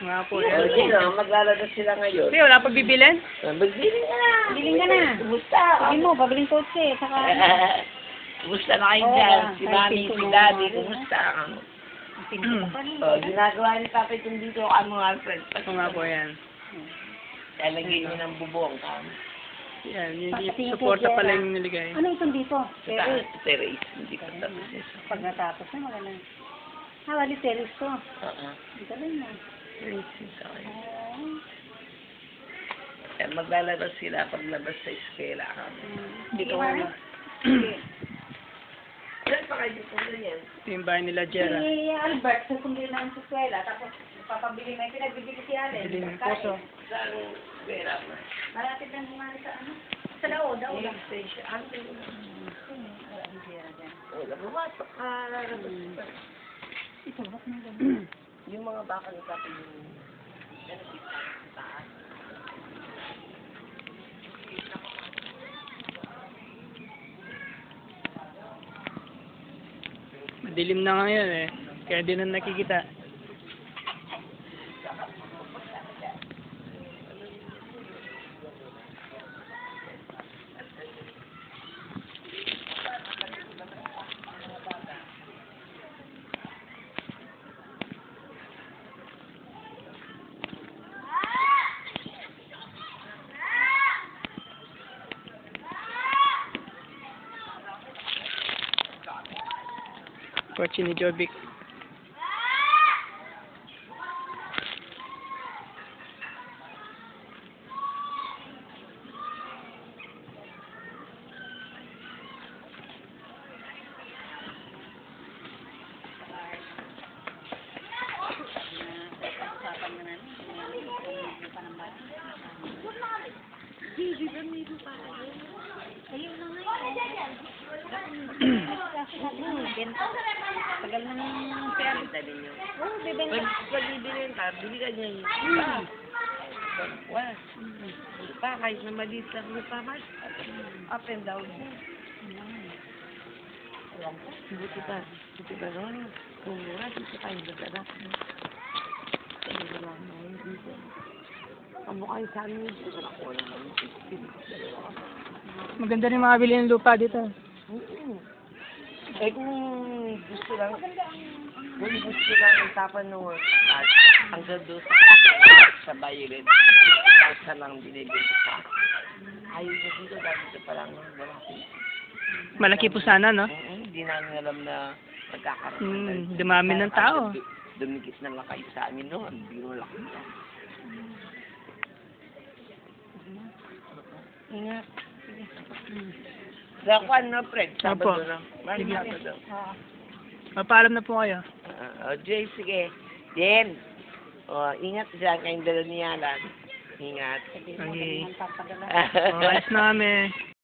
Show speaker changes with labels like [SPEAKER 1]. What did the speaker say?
[SPEAKER 1] Nga po,
[SPEAKER 2] O,
[SPEAKER 1] yan.
[SPEAKER 2] sino? Maglalabas sila ngayon.
[SPEAKER 1] Hindi, wala pa bibilin?
[SPEAKER 2] Magbili ka na.
[SPEAKER 3] Biling ka na.
[SPEAKER 2] Kumusta?
[SPEAKER 3] Sabi mo, pabiling kotse. Saka,
[SPEAKER 2] Kumusta na kayo
[SPEAKER 3] Oo,
[SPEAKER 2] dyan?
[SPEAKER 3] ah,
[SPEAKER 2] Si
[SPEAKER 3] kahit
[SPEAKER 2] Mami,
[SPEAKER 3] pinto
[SPEAKER 2] si
[SPEAKER 3] mo,
[SPEAKER 2] Daddy,
[SPEAKER 3] Mami.
[SPEAKER 2] kumusta?
[SPEAKER 3] pinto ko pa rin.
[SPEAKER 2] O, ginagawa ni Papa itong dito ang mga friends.
[SPEAKER 1] Ito nga po yan.
[SPEAKER 2] Lalagyan niyo ng bubong kami.
[SPEAKER 1] Yan, yung
[SPEAKER 3] Pati
[SPEAKER 1] suporta
[SPEAKER 3] kay
[SPEAKER 1] pala
[SPEAKER 3] Jera.
[SPEAKER 1] yung niligay.
[SPEAKER 3] Ano itong dito? Terrace.
[SPEAKER 2] Terrace. Hindi pa tapos eh.
[SPEAKER 3] Pag natapos na, maganda. Wali terrace to.
[SPEAKER 2] Oo.
[SPEAKER 3] Ang galing na.
[SPEAKER 2] Terrace yung sa akin.
[SPEAKER 3] Oh.
[SPEAKER 2] Eh, maglalabas sila paglabas sa eskwela kami.
[SPEAKER 1] Dito
[SPEAKER 3] Sige,
[SPEAKER 1] ko
[SPEAKER 3] Mami.
[SPEAKER 1] na.
[SPEAKER 3] Sige.
[SPEAKER 2] Ilan pa kayo dito ganyan?
[SPEAKER 1] Ito yung bahay nila, Jera.
[SPEAKER 3] Si Albert, susumbili namin sa eskwela, tapos papabili na yung pinagbibili si Allen.
[SPEAKER 1] Bili ng
[SPEAKER 3] Pagkain.
[SPEAKER 1] puso.
[SPEAKER 2] Saan eskwela mo?
[SPEAKER 3] Malapit lang bumalik sa ano? Sa Dao lang.
[SPEAKER 2] Station. Ano yun?
[SPEAKER 3] Ang Jera dyan.
[SPEAKER 2] Wala, bumasok ka.
[SPEAKER 3] Ito, ba't may ganun?
[SPEAKER 2] Yung mga baka ni Papa yung benefit sa taas.
[SPEAKER 1] Madilim na ngayon eh. Kaya di na nakikita. Kotse ni Jovic.
[SPEAKER 3] Ayun na nga. Benta. Tagal na ng pera.
[SPEAKER 2] Dali nyo.
[SPEAKER 3] Oo, bibenta.
[SPEAKER 2] Pag bibilin ka, bili ka niya yung pa, kahit na maliit lang lupa, mas up and down. Buti pa naman. Kung mura, dito tayo magdala. Kaya wala naman dito. Ang mukha yung sa amin dito, wala ko naman.
[SPEAKER 1] Maganda rin mga bili ng lupa dito.
[SPEAKER 2] Eh kung gusto lang ang tapan ng work at hanggang doon sa violet, sa lang binibig sa ayaw niya dito dahil dito pa lang malaki.
[SPEAKER 1] Malaki po sana, no?
[SPEAKER 2] Hindi namin alam na magkakaroon.
[SPEAKER 1] Dumami ng tao.
[SPEAKER 2] Dumikit na lang kayo sa amin, no? Ang biro lang. Ingat. Sa kwan na, Fred. Sabado
[SPEAKER 1] Opo.
[SPEAKER 2] na. Maraming
[SPEAKER 1] Sige.
[SPEAKER 2] Sabado.
[SPEAKER 1] Mapaalam na po kayo.
[SPEAKER 2] Jay, sige. Jen. Ingat dyan kayong dala ni Alan. Ingat.
[SPEAKER 1] Okay.
[SPEAKER 3] Ang papadala.
[SPEAKER 1] Alis na kami.